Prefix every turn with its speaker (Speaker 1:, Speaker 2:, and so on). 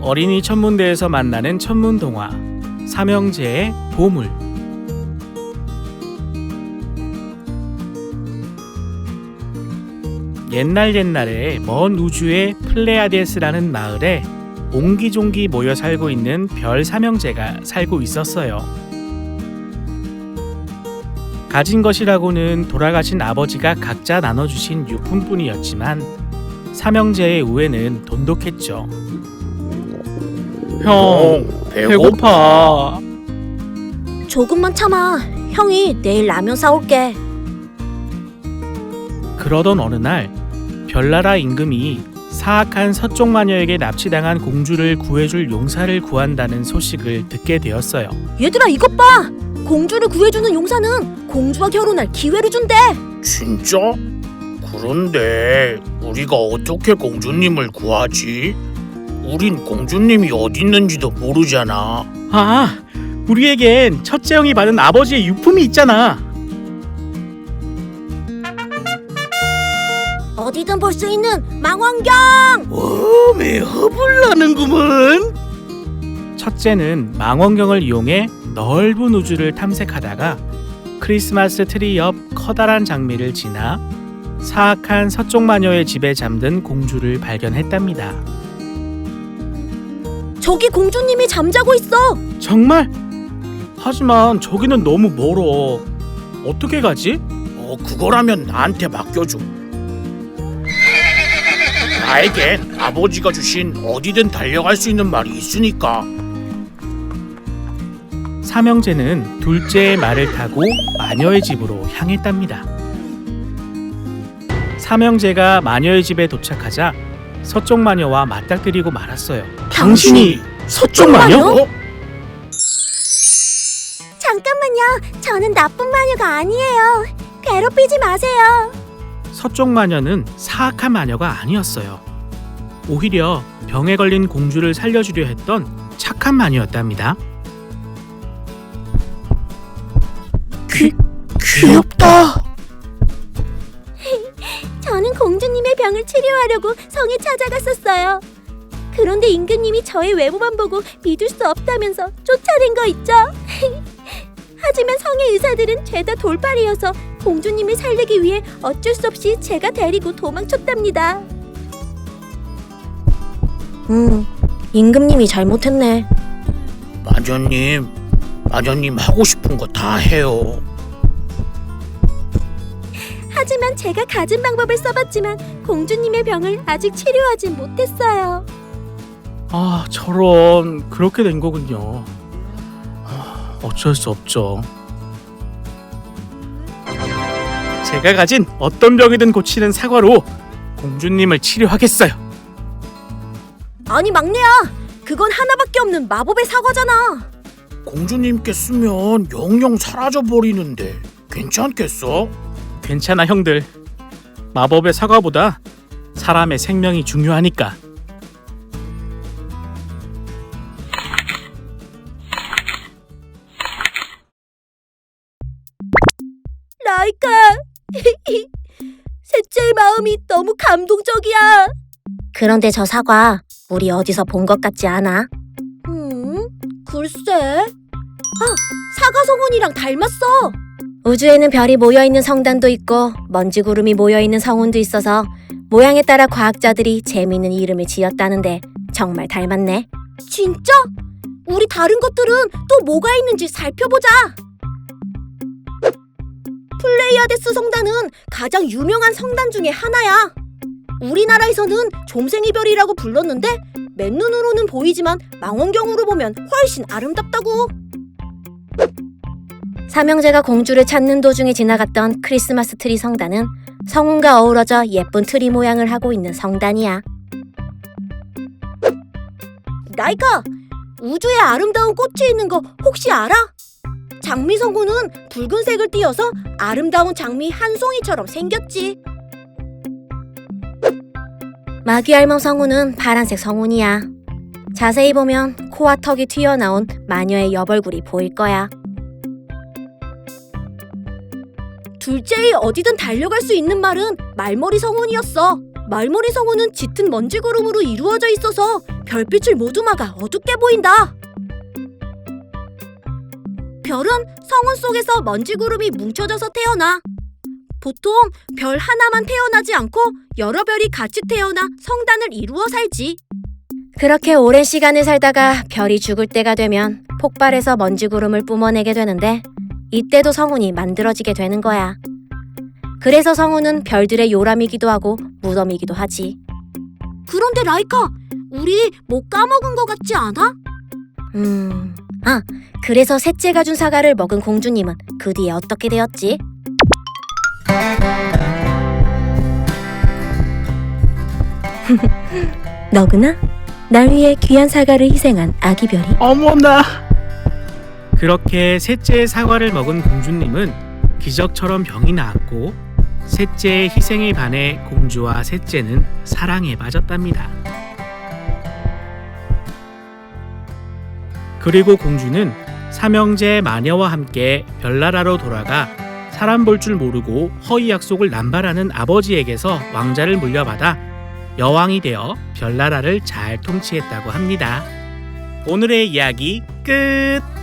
Speaker 1: 어린이 천문대에서 만나는 천문동화 삼형제의 보물. 옛날에 먼 우주의 플레아데스라는 마을에 옹기종기 모여 살고 있는 별 삼형제가 살고 있었어요. 가진 것이라고는 돌아가신 아버지가 각자 나눠주신 유품뿐이었지만 삼형제의 우애는 돈독했죠. 형, 배고파.
Speaker 2: 조금만 참아. 형이 내일 라면 사올게.
Speaker 1: 그러던 어느 날 별나라 임금이 사악한 서쪽 마녀에게 납치당한 공주를 구해줄 용사를 구한다는 소식을 듣게 되었어요.
Speaker 2: 얘들아, 이것 봐. 공주를 구해주는 용사는 공주와 결혼할 기회를 준대.
Speaker 3: 진짜? 그런데 우리가 어떻게 공주님을 구하지? 우린 공주님이 어디 있는지도 모르잖아.
Speaker 1: 아, 우리에겐 첫째 형이 받은 아버지의 유품이 있잖아.
Speaker 2: 어디든 볼 수 있는 망원경.
Speaker 3: 왜 허블나는구먼.
Speaker 1: 첫째는 망원경을 이용해 넓은 우주를 탐색하다가 크리스마스 트리 옆 커다란 장미를 지나 사악한 서쪽 마녀의 집에 잠든 공주를 발견했답니다.
Speaker 2: 저기 공주님이 잠자고 있어.
Speaker 1: 정말? 하지만 저기는 너무 멀어. 어떻게 가지?
Speaker 3: 그거라면 나한테 맡겨줘. 나에겐 아버지가 주신 어디든 달려갈 수 있는 말이 있으니까.
Speaker 1: 삼형제는 둘째의 말을 타고 마녀의 집으로 향했답니다. 삼형제가 마녀의 집에 도착하자 서쪽 마녀와 맞닥뜨리고 말았어요.
Speaker 3: 당신이
Speaker 1: 서쪽 마녀?
Speaker 2: 잠깐만요. 저는 나쁜 마녀가 아니에요. 괴롭히지 마세요.
Speaker 1: 서쪽 마녀는 사악한 마녀가 아니었어요. 오히려 병에 걸린 공주를 살려주려 했던 착한 마녀였답니다.
Speaker 3: 귀엽다.
Speaker 2: 저는 공주님의 병을 치료하려고 성에 찾아갔었어요. 그런데 임금님이 저의 외모만 보고 믿을 수 없다면서 쫓아낸 거 있죠? 하지만 성의 의사들은 죄다 돌팔이어서 공주님을 살리기 위해 어쩔 수 없이 제가 데리고 도망쳤답니다. 임금님이 잘못했네.
Speaker 3: 마녀님 하고 싶은 거 다 해요.
Speaker 2: 하지만 제가 가진 방법을 써봤지만 공주님의 병을 아직 치료하진 못했어요.
Speaker 1: 아, 저런, 그렇게 된 거군요. 어쩔 수 없죠. 제가 가진 어떤 병이든 고치는 사과로 공주님을 치료하겠어요.
Speaker 2: 아니 막내야, 그건 하나밖에 없는 마법의 사과잖아.
Speaker 3: 공주님께 쓰면 영영 사라져 버리는데 괜찮겠어?
Speaker 1: 괜찮아, 형들. 마법의 사과보다 사람의 생명이 중요하니까.
Speaker 2: 라이카, 셋째의 마음이 너무 감동적이야. 그런데 저 사과 우리 어디서 본 것 같지 않아? 글쎄. 사과 성운이랑 닮았어. 우주에는 별이 모여있는 성단도 있고 먼지 구름이 모여있는 성운도 있어서 모양에 따라 과학자들이 재미있는 이름을 지었다는데 정말 닮았네. 진짜? 우리 다른 것들은 또 뭐가 있는지 살펴보자. 플레이아데스 성단은 가장 유명한 성단 중에 하나야. 우리나라에서는 좀생이 별이라고 불렀는데 맨눈으로는 보이지만 망원경으로 보면 훨씬 아름답다고. 삼형제가 공주를 찾는 도중에 지나갔던 크리스마스 트리 성단은 성운과 어우러져 예쁜 트리 모양을 하고 있는 성단이야. 라이카, 우주에 아름다운 꽃이 있는 거 혹시 알아? 장미 성운은 붉은색을 띄어서 아름다운 장미 한 송이처럼 생겼지. 마귀알몸 성운은 파란색 성운이야. 자세히 보면 코와 턱이 튀어나온 마녀의 여벌굴이 보일 거야. 둘째의 어디든 달려갈 수 있는 말은 말머리 성운이었어. 말머리 성운은 짙은 먼지 구름으로 이루어져 있어서 별빛을 모두 막아 어둡게 보인다. 별은 성운 속에서 먼지 구름이 뭉쳐져서 태어나. 보통 별 하나만 태어나지 않고 여러 별이 같이 태어나 성단을 이루어 살지. 그렇게 오랜 시간을 살다가 별이 죽을 때가 되면 폭발해서 먼지 구름을 뿜어내게 되는데 이때도 성운이 만들어지게 되는 거야. 그래서 성운은 별들의 요람이기도 하고 무덤이기도 하지. 그런데 라이카, 우리 뭐 까먹은 것 같지 않아? 그래서 셋째가 준 사과를 먹은 공주님은 그 뒤에 어떻게 되었지? 너구나? 날 위해 귀한 사과를 희생한 아기 별이.
Speaker 1: 어머나! 그렇게 셋째의 사과를 먹은 공주님은 기적처럼 병이 나았고 셋째의 희생에 반해 공주와 셋째는 사랑에 빠졌답니다. 그리고 공주는 삼형제 마녀와 함께 별나라로 돌아가 사람 볼 줄 모르고 허위 약속을 남발하는 아버지에게서 왕자를 물려받아 여왕이 되어 별나라를 잘 통치했다고 합니다. 오늘의 이야기 끝!